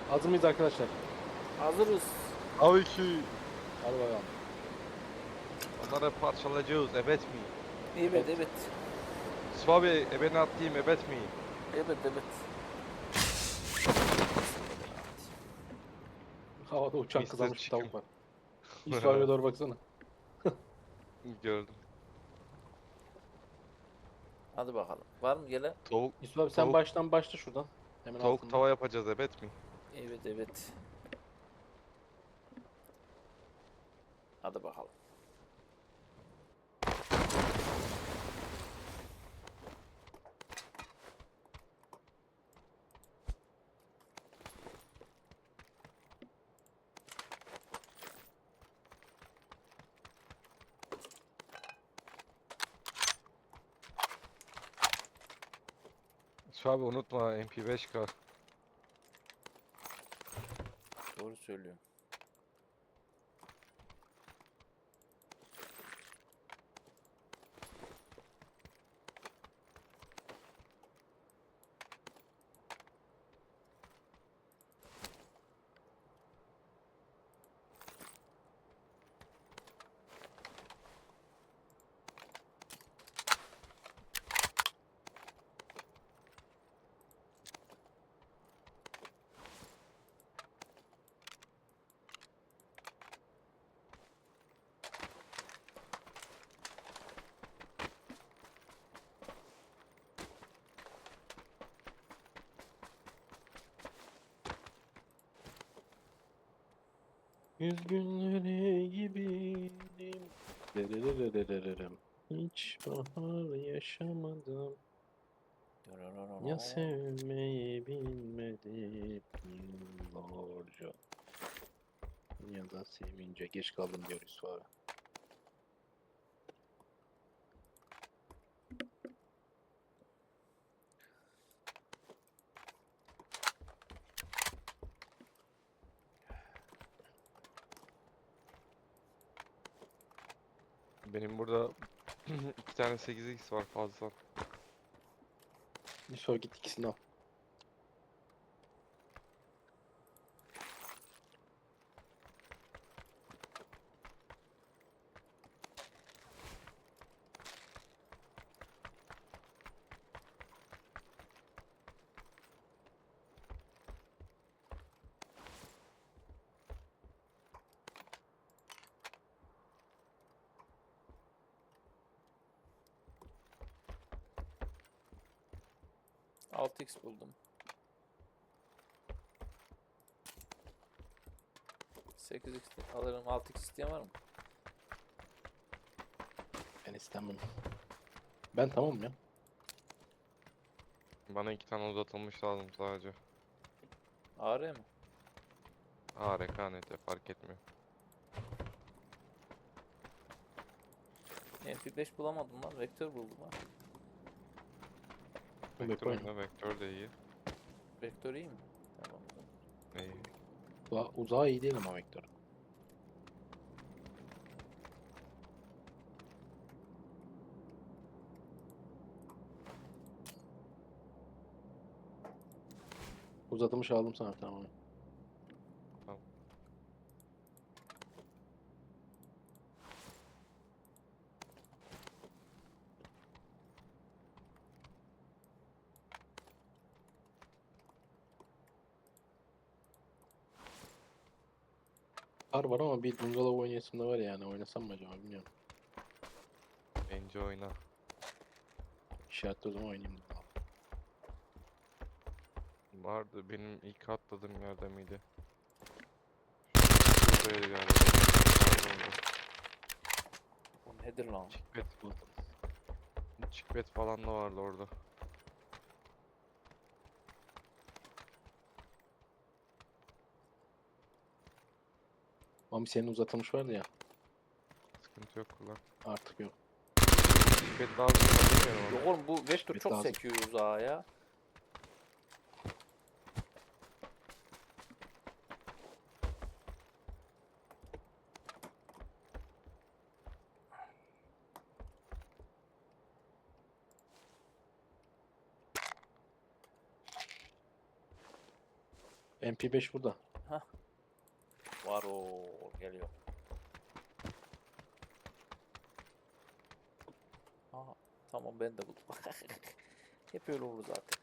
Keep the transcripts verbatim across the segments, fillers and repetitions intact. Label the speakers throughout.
Speaker 1: Hazır mıyız arkadaşlar?
Speaker 2: Hazırız.
Speaker 3: Tabii ki.
Speaker 1: Hadi bakalım.
Speaker 3: Onları parçalayacağız. Evet mi?
Speaker 2: Evet
Speaker 1: Evet.
Speaker 2: evet.
Speaker 3: Yusuf abi ebeni atlayayım. Evet mi?
Speaker 2: Evet evet.
Speaker 1: Havada uçan
Speaker 3: mister
Speaker 1: kızarmış bir
Speaker 3: Chicken.
Speaker 1: tavuk var. Yusuf abiye doğru baksana.
Speaker 3: Gördüm.
Speaker 2: Hadi bakalım. Var mı gelen?
Speaker 3: Tavuk,
Speaker 1: Yusuf abi sen
Speaker 3: tavuk,
Speaker 1: baştan başla şuradan. Hemen
Speaker 3: tavuk
Speaker 1: altında.
Speaker 3: tava yapacağız. Evet mi?
Speaker 2: Evet evet. Hadi bakalım.
Speaker 3: Yusuf abi unutma M P beş K.
Speaker 2: Doğru söylüyorum.
Speaker 1: Yüz günleri gibiydim. Derererererem. Hiç bahar yaşamadım. Ya sevmeyi bilmedim yıllarca. Ya da sevince geç kaldım diyor Yusuf abi.
Speaker 3: Benim burada iki tane sekiz x var fazla.
Speaker 1: Yusuf abi git ikisini al.
Speaker 2: altı x buldum. sekiz x alırım. altı x isteyen var mı?
Speaker 1: Ben istemem. Ben tamam ya.
Speaker 3: Bana iki tane uzatılmış lazım sadece.
Speaker 2: A R mi?
Speaker 3: Ha rekanete fark etmiyor.
Speaker 2: M P beş bulamadım lan. Vektör buldum ha.
Speaker 3: Vektör
Speaker 1: Vektör
Speaker 3: oyunda vektör de iyi.
Speaker 2: Vektör iyi mi? Tamam.
Speaker 3: İyi.
Speaker 1: Uzağa, uzağa iyi değil ama vektör. Uzatılmış aldım sana tamam.
Speaker 3: Tamam.
Speaker 1: Var var ama bir bungalov oynayasım da var yani. Oynasam mı acaba bilmiyorum.
Speaker 3: Bence oyna.
Speaker 1: İşaretli o zaman oynayayım dedim.
Speaker 3: Vardı benim ilk atladığım yerde miydi? Buradaydı galiba. Pardon.
Speaker 2: O nedir lan?
Speaker 3: Chickpet. Chickpet falan da vardı orada.
Speaker 1: Ama senin uzatılmış vardı ya.
Speaker 3: Sıkıntı yok kullan.
Speaker 1: Artık yok.
Speaker 3: Chickpet lazım mı bilmiyorum
Speaker 2: Yok
Speaker 3: ama.
Speaker 2: oğlum bu vektör
Speaker 1: Evet,
Speaker 2: çok
Speaker 1: lazım.
Speaker 2: sekiyor uzağa ya.
Speaker 1: M P beş burada.
Speaker 2: Var o geliyor. Aha, tamam ben de buldum. Hep öyle olur zaten.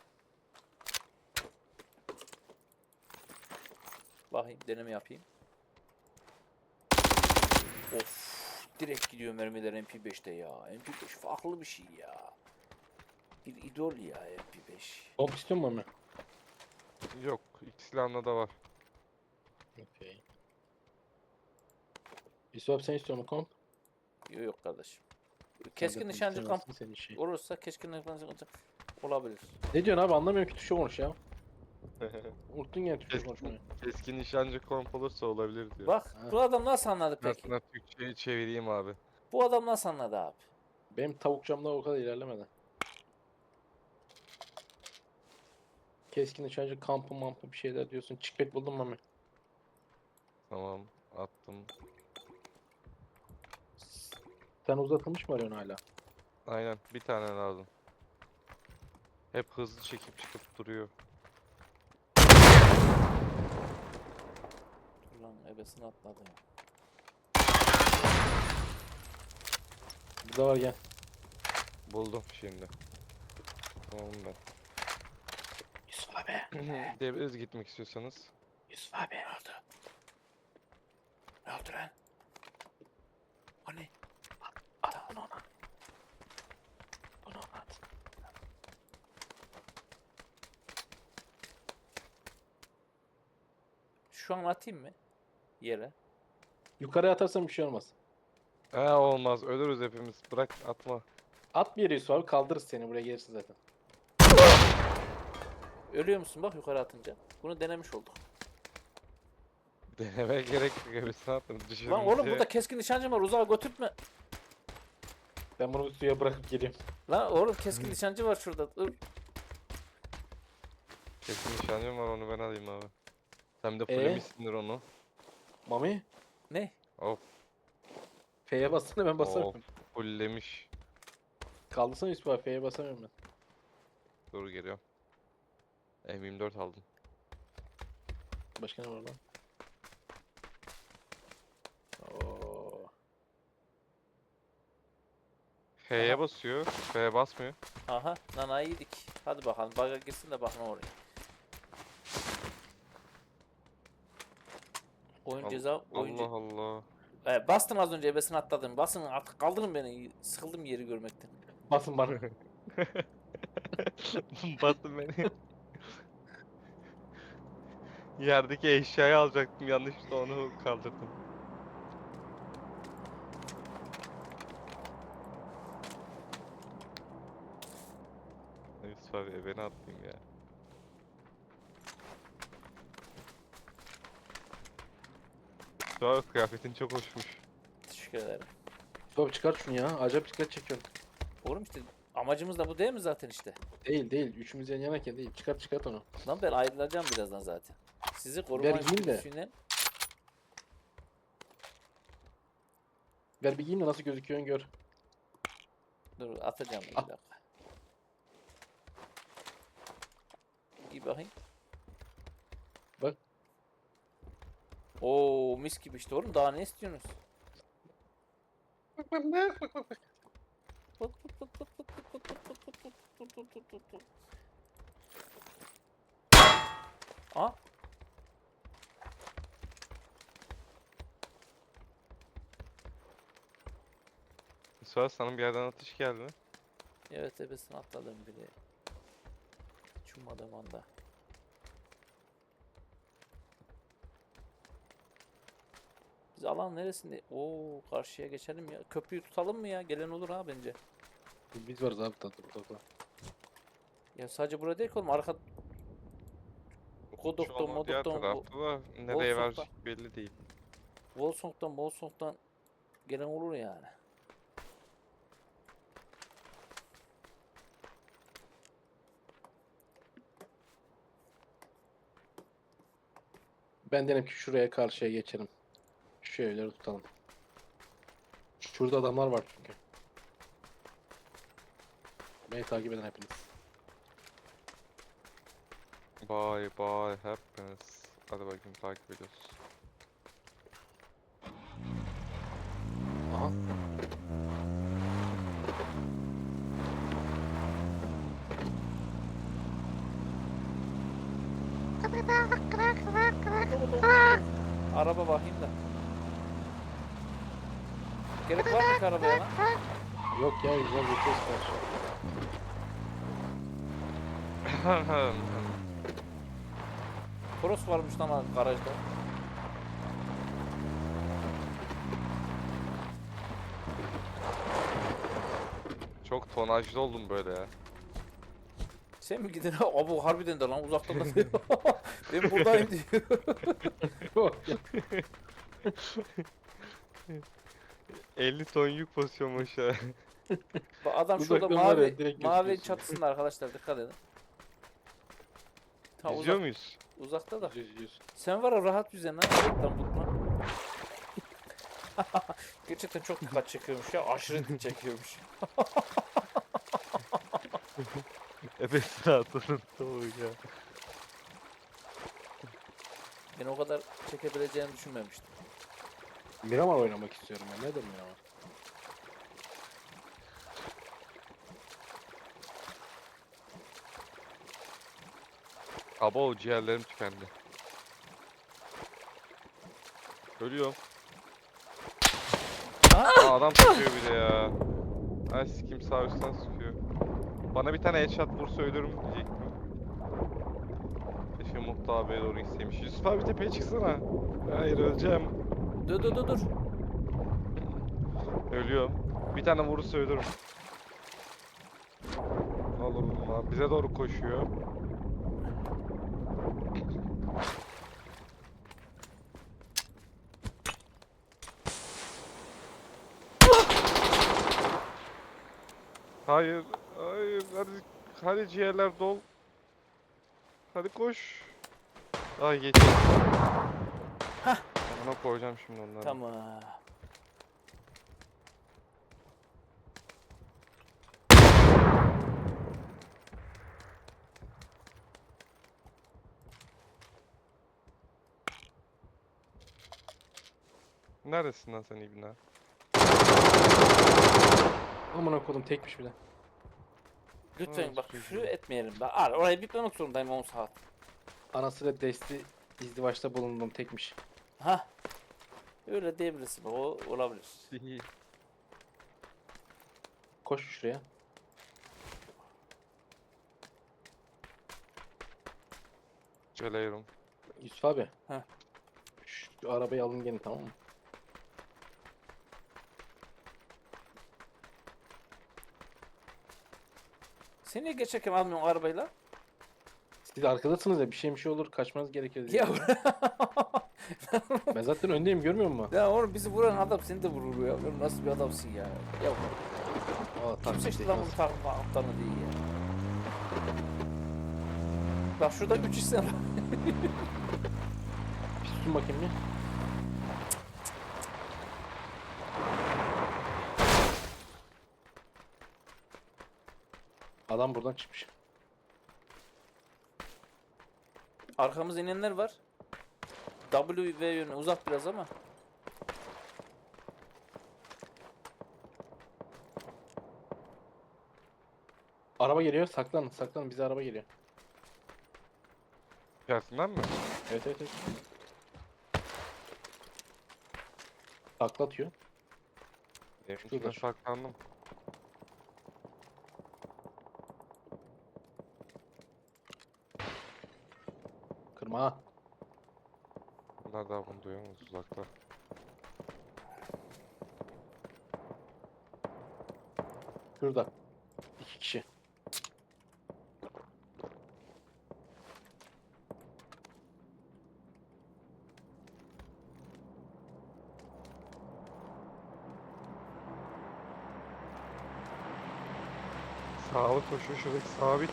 Speaker 2: Bakayım deneme yapayım. Of direkt gidiyor mermiler M P beşte ya. M P beş farklı bir şey ya. Bir idol ya M P beş.
Speaker 1: Komp istiyor musun Mami?
Speaker 3: Yok. İki silahında da var.
Speaker 1: Okey. Yusuf abi sen istiyor musun komp?
Speaker 2: Yok yok kardeşim.
Speaker 1: Sen
Speaker 2: Keskin
Speaker 1: zaten
Speaker 2: nişancı kamp
Speaker 1: istemezsin, senin işin.
Speaker 2: olursa keskin nişancı kamp olabilir.
Speaker 1: Ne diyorsun abi, anlamıyorum ki, tuşa konuş ya. Unuttun ya tuşa
Speaker 3: Keskin,
Speaker 1: konuşmayı.
Speaker 3: keskin nişancı komp olursa olabilir diyor.
Speaker 2: Bak
Speaker 1: Ha.
Speaker 2: bu adam nasıl anladı
Speaker 3: Ben
Speaker 2: peki?
Speaker 3: sana Türkçe'yi çevireyim abi.
Speaker 2: Bu adam nasıl anladı abi?
Speaker 1: Benim tavuk camda o kadar ilerlemedi. Keskin nişancı kampı mampı bir şeyler diyorsun. Çıkbet buldun mu Mami?
Speaker 3: Tamam. Attım.
Speaker 1: Sen uzatılmış mı arıyorsun hala?
Speaker 3: Aynen. Bir tane lazım. Hep hızlı çekip çıkıp duruyor.
Speaker 2: Dur lan ebesini atladı. ya.
Speaker 1: Burada var, gel.
Speaker 3: Buldum şimdi. Tamam ben.
Speaker 1: Yusuf abi.
Speaker 3: Gidebiliriz gitmek istiyorsanız.
Speaker 1: Yusuf abi. Ne oldu? Ne oldu lan?
Speaker 2: O ne?
Speaker 1: At bunu ona. Bunu ona at.
Speaker 2: Şu an atayım mı? Yere.
Speaker 1: Yukarıya atarsan bir şey olmaz.
Speaker 3: Ha olmaz. Ölürüz hepimiz. Bırak atma.
Speaker 1: At bir yere Yusuf abi, kaldırırız seni, buraya gelirsin zaten.
Speaker 2: Ölüyor musun bak yukarı atınca. Bunu denemiş olduk.
Speaker 3: Denemeye gerek yok. Hepsini attım.
Speaker 2: Lan oğlum burada keskin nişancı var uzağa götürtme.
Speaker 1: Ben bunu suya bırakıp geleyim.
Speaker 2: Lan oğlum keskin nişancı var şurada. Dur.
Speaker 3: Kesin nişancım var, onu ben alayım abi. Sen de
Speaker 1: Ee?
Speaker 3: fullemişsindir onu.
Speaker 1: Mami.
Speaker 2: Ne?
Speaker 3: Of.
Speaker 1: F'ye bassana, ben basarım.
Speaker 3: Of. Fullemiş.
Speaker 1: Kaldırsana Yusuf abi, F'ye basamıyorum ben.
Speaker 3: Dur geliyorum. M yirmi dört aldım.
Speaker 1: Başka ne var lan? Oo.
Speaker 3: F'ye
Speaker 2: Aha.
Speaker 3: basıyor. F'ye basmıyor.
Speaker 2: Aha nanayı yedik. Hadi bakalım baga girsin de bak ne oluyor. Oyun
Speaker 3: Al-
Speaker 2: ceza oyuncu.
Speaker 3: Allah Allah.
Speaker 2: Ee, bastım az önce ebesini atladım. Basın artık kaldırın beni. Sıkıldım yeri görmekten.
Speaker 1: Basın bana.
Speaker 3: Bastın beni. Yerdeki eşyayı alacaktım, yanlışlıkla onu kaldırdım. Yusuf abi beni atlayayım ya. Yusuf abi kıyafetin çok hoşmuş.
Speaker 2: Teşekkür ederim.
Speaker 1: Yusuf abi çıkart şunu ya. Acayip dikkat çekiyorsun.
Speaker 2: Oğlum işte amacımız da bu değil mi zaten işte?
Speaker 1: Değil değil. Üçümüz yan yanayken değil. Çıkart çıkart onu.
Speaker 2: Lan ben ayrılacağım birazdan zaten. Sizi koruma
Speaker 1: Ver giyeyim de.
Speaker 2: içgüdüsüyle
Speaker 1: Ver bir giyeyim de nasıl gözüküyorsun gör.
Speaker 2: dur atacağım bir
Speaker 1: Ah.
Speaker 2: dakika. İyi bakayım.
Speaker 1: Bak.
Speaker 2: Oo mis gibi işte oğlum daha ne istiyorsunuz? Aa
Speaker 3: Yusuf abi sana bir yerden atış geldi.
Speaker 2: evet ebesini atladım bile. Hiç ummadığım anda. Biz alan neresinde? Oo karşıya geçelim ya. Köprüyü tutalım mı ya? Gelen olur ha bence.
Speaker 1: Biz varız abi tadı burada.
Speaker 2: Ya sadece burada değil ki oğlum arka
Speaker 3: Şu
Speaker 2: Kodok'tan,
Speaker 3: an o diğer
Speaker 2: Modok'tan,
Speaker 3: tarafta da nereye
Speaker 2: Wolfsburg'da.
Speaker 3: verecek belli değil.
Speaker 2: Volsong'dan, Volsong'dan gelen olur yani.
Speaker 1: Ben derim ki şuraya karşıya geçelim. Şu evleri tutalım. Şurada adamlar var çünkü. Beni takip eden hepiniz.
Speaker 3: bye bye happiness. Hadi bakayım takip ediyoruz.
Speaker 1: Aha.
Speaker 2: Araba bakayım da. Gerek var mı ki arabaya lan?
Speaker 1: Yok ya güzel geçiyoruz karşı.
Speaker 2: Toros varmış lan garajda.
Speaker 3: Çok tonajlı oldum böyle ya.
Speaker 2: Sen mi gidin? Abi harbiden de lan uzaktan da diyor. Ben buradayım diyor.
Speaker 1: Yok ya.
Speaker 3: elli ton yük basıyorum aşağı.
Speaker 2: Bak adam şurada
Speaker 1: Uzaktan var ya,
Speaker 2: mavi
Speaker 1: direkt
Speaker 2: mavi
Speaker 1: gözüküyorsun.
Speaker 2: çatısında arkadaşlar dikkat edin. Ta
Speaker 3: İzliyor
Speaker 2: uzak,
Speaker 3: muyuz?
Speaker 2: uzakta da.
Speaker 1: Yüz yüz.
Speaker 2: Sen var ya rahat yüzen lan. Reklam tutma. Gerçekten çok dikkat çekiyormuş ya. Aşırı dikkat çekiyormuş.
Speaker 3: Evet rahatladım tabii ya.
Speaker 2: Ben o kadar çekebileceğini düşünmemiştim.
Speaker 1: Miramar oynamak istiyorum ben. Nedir Miramar?
Speaker 3: Abo ciğerlerim tükendi. Ölüyorum. Aa, adam sıkıyor bir de ya. Ay sikim sağ üstten sıkıyor. Bana bir tane headshot vursa ölürüm diyecektim. Keşke Mutlu abiye doğru gitseymiş. Yusuf abi tepeye çıksana. Hayır öleceğim.
Speaker 2: Dur dur dur dur.
Speaker 3: Ölüyorum. Bir tane vurursa ölürüm. Ne olur bunlar. Bize doğru koşuyor. Hayır, hayır, hadi, hadi ciğerler dol. Hadi koş. Ay geçti. Ona koyacağım şimdi onları.
Speaker 2: Tamam.
Speaker 3: Neredesin lan sen İbna?
Speaker 1: Amına kodum tekmiş bir de.
Speaker 2: Lütfen
Speaker 3: Evet,
Speaker 2: bak
Speaker 3: çocuğum.
Speaker 2: küfür etmeyelim. Bak ar orayı bitmemek zorundayım on saat.
Speaker 1: Anasıyla desti izdivaçta bulundum tekmiş.
Speaker 2: Ha. Öyle diyebilirsin. O olabilir.
Speaker 1: Koş şuraya.
Speaker 3: Geliyorum.
Speaker 1: Yusuf abi.
Speaker 2: Heh.
Speaker 1: Şu arabayı alın gelin tamam mı?
Speaker 2: Sen niye geçerken almıyorsun arabayla?
Speaker 1: Siz arkadasınız ya bir şey bir şey olur kaçmanız gerekir diye.
Speaker 2: Ya,
Speaker 1: Ben zaten öndeyim görmüyor musun?
Speaker 2: ya oğlum bizi vuran adam seni de vurur ya. Oğlum nasıl bir adamsın ya? Ya
Speaker 1: Aa,
Speaker 2: kim
Speaker 1: taktik
Speaker 2: seçti
Speaker 1: değil
Speaker 2: lan bunu
Speaker 1: nasıl?
Speaker 2: takma aptalını değil ya. Bak şurada üç isim var.
Speaker 1: Bir susun bakayım bir. Adam buradan çıkmış.
Speaker 2: Arkamızda inenler var. W V yönü uzak biraz ama.
Speaker 1: Araba geliyor saklanın saklanın bize araba geliyor.
Speaker 3: İçerisinden mi?
Speaker 1: Evet evet evet. Taklatıyor.
Speaker 3: Evin
Speaker 1: Şurada,
Speaker 3: içine
Speaker 1: şu.
Speaker 3: saklandım.
Speaker 1: Kırma ha.
Speaker 3: Bunlar daha bunu duyuyorsunuz uzakta.
Speaker 1: Şurada. İki kişi.
Speaker 3: Sağlı koşuyor şuradaki sabit.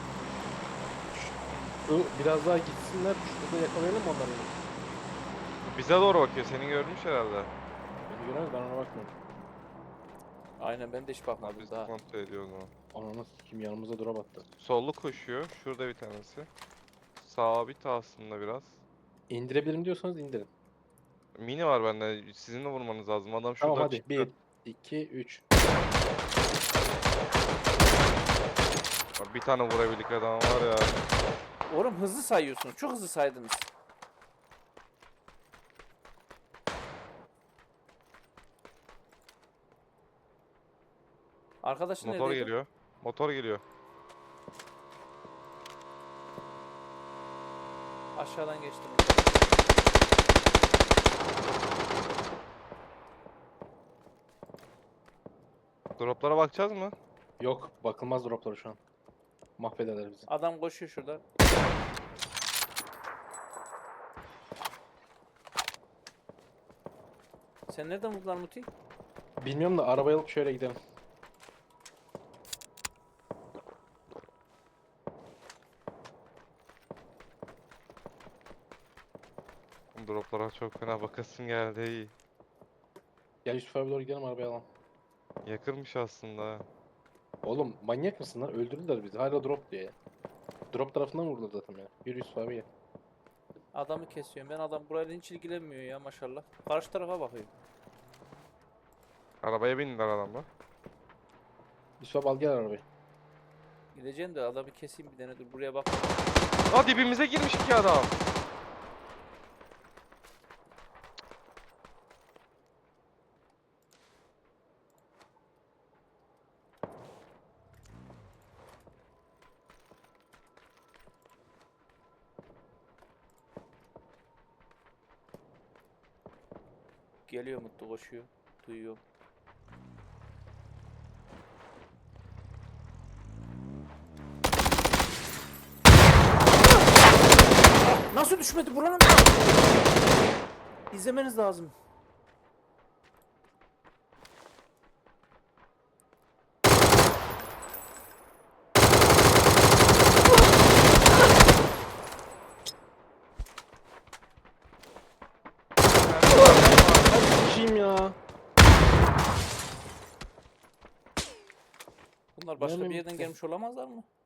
Speaker 1: Şu biraz daha gitsinler. Şurada yakalayalım mı onları.
Speaker 3: Bize doğru bakıyor. Seni görmüş herhalde.
Speaker 1: Beni göremez ben ona bakmıyorum.
Speaker 2: Aynen ben de hiç
Speaker 3: Ha,
Speaker 2: bakmadım
Speaker 3: biz
Speaker 2: daha.
Speaker 3: kontrol ediyoruz onu.
Speaker 1: Ananı kim yanımıza drop attı.
Speaker 3: Sollu koşuyor. Şurada bir tanesi. sabit aslında biraz.
Speaker 1: İndirebilirim diyorsanız indirin.
Speaker 3: Mini var bende. Sizin de vurmanız lazım. Adam şuradan
Speaker 1: Tamam hadi.
Speaker 3: çıktı.
Speaker 1: bir, iki, üç.
Speaker 3: Bir tane vurabildik adam var ya.
Speaker 2: Oğlum hızlı sayıyorsunuz. Çok hızlı saydınız. Arkadaşın
Speaker 3: Motor
Speaker 2: neredeydi?
Speaker 3: geliyor. Motor geliyor.
Speaker 2: Aşağıdan geçtim.
Speaker 3: Droplara bakacağız mı?
Speaker 1: Yok. Bakılmaz dropları şu an. Mahvederler bizi.
Speaker 2: Adam koşuyor şurada. Sen nereden vurdun Muti?
Speaker 1: Bilmiyorum da arabayı alıp şöyle gidelim.
Speaker 3: Droplara çok fena bakasın geldi. İyi.
Speaker 1: Gel Yusuf abi doğru gidelim arabayı alalım.
Speaker 3: Yakırmış aslında. ha.
Speaker 1: Oğlum manyak mısın lan? Öldürdüler bizi. Hala drop diye ya. Drop tarafından vurdular zaten ya. Yürü Yusuf abi gel.
Speaker 2: Adamı kesiyorum. Ben adam burayla hiç ilgilenmiyor ya maşallah. Karşı tarafa bakıyor.
Speaker 3: Arabaya bindiler adamlar.
Speaker 1: Yusuf abi al gel arabayı.
Speaker 2: Gideceğim de adamı keseyim bir tane dur buraya bak.
Speaker 3: Aa dibimize girmiş iki adam.
Speaker 2: Geliyor Mutlu koşuyor. Duyuyorum. Nasıl düşmedi buranın? İzlemeniz lazım.
Speaker 1: Kim ya?
Speaker 2: Bunlar başka bir
Speaker 1: Nereden
Speaker 2: yerden
Speaker 1: bitti?
Speaker 2: gelmiş olamazlar mı?